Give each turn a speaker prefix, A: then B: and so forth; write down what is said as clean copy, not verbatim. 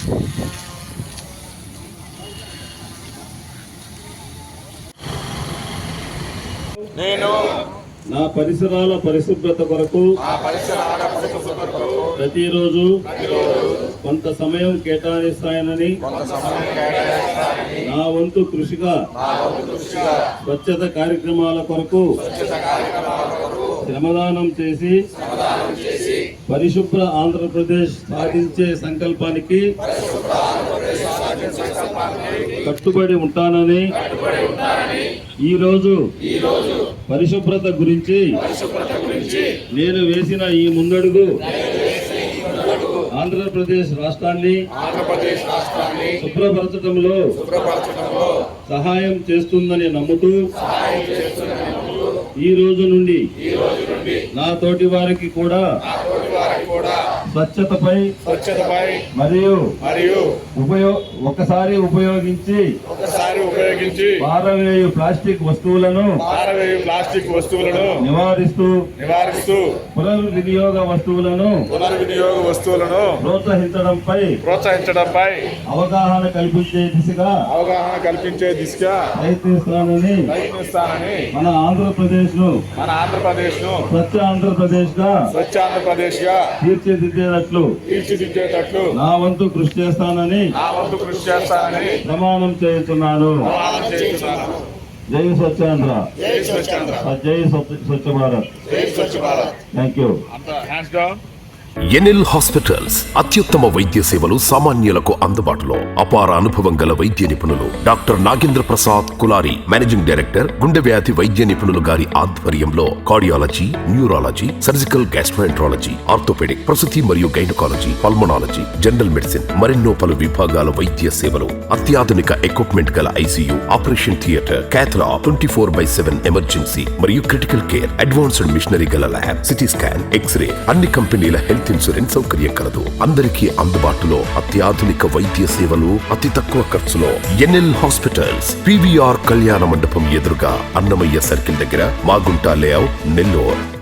A: నేను
B: నా పరిసరాల పరిశుభ్రత కొరకు ప్రతిరోజు కొంత సమయం కేటాయిస్తానని నా వంతు కృషిగా స్వచ్ఛత కార్యక్రమాల కొరకు శ్రమదానం చేసి పరిశుభ్ర ఆంధ్రప్రదేశ్ సాధించే సంకల్పానికి కట్టుబడి ఉంటానని ఈరోజు పరిశుభ్రత గురించి నేను వేసిన ఈ ముందడుగు ఆంధ్రప్రదేశ్ రాష్ట్రాన్ని శుభ్రపరచడంలో సహాయం చేస్తుందని నమ్ముతూ ఈ రోజు నుండి నా తోటి వారికి కూడా స్వచ్ఛతపై మరియు ఒకసారి ఉపయోగించి పారవేయు ప్లాస్టిక్ వస్తువులను నివారిస్తూ పునర్వినియోగ వస్తువులను ప్రోత్సహించడంపై అవగాహన కల్పించే దిశగా ప్రయత్నిస్తానని మన ఆంధ్రప్రదేశ్ ను స్వచ్ఛ ఆంధ్రప్రదేశ్ గా తీర్చిదిద్దేటట్లు నా వంతు కృషి చేస్తానని ప్రమాణం చేస్తున్నాను. జై స్వచ్ఛాంధ్ర, జై Swachh Bharat. Thank you.
C: NL hospitals అత్యుత్తమ వైద్య సేవలు సామాన్యులకు అందుబాటులో. అపార అనుభవం గల వైద్య నిపుణులు doctor Nagendra Prasad Kulari, managing director, గుండె వ్యాధి వైద్య నిపుణులు గారి ఆధ్వర్యంలో cardiology, neurology, surgical gastroenterology, orthopaedic, ప్రసూతి మరియు గైనకాలజీ, పల్మనాలజీ, జనరల్ మెడిసిన్ మరెన్నో పలు విభాగాల వైద్య సేవలు. అత్యాధునిక ఎక్విప్మెంట్ గల ICU, operation theatre, cath lab, 24/7 emergency మరియు క్రిటికల్ కేర్, అడ్వాన్స్డ్ మిషనరీ గల ల్యాబ్, సిటీ స్కాన్, ఎక్స్రే, అన్ని కంపెనీల హెల్త్ ఇన్సూరెన్స్ సౌకర్యం కలదు. అందరికీ అందుబాటులో అత్యాధునిక వైద్య సేవలు అతి తక్కువ ఖర్చులో. ఎన్ఎల్ హాస్పిటల్స్, పివిఆర్ కళ్యాణ మండపం ఎదురుగా, అన్నమయ్య సర్కిల్ దగ్గర, మాగుంట లేఅవుట్, నెల్లూరు.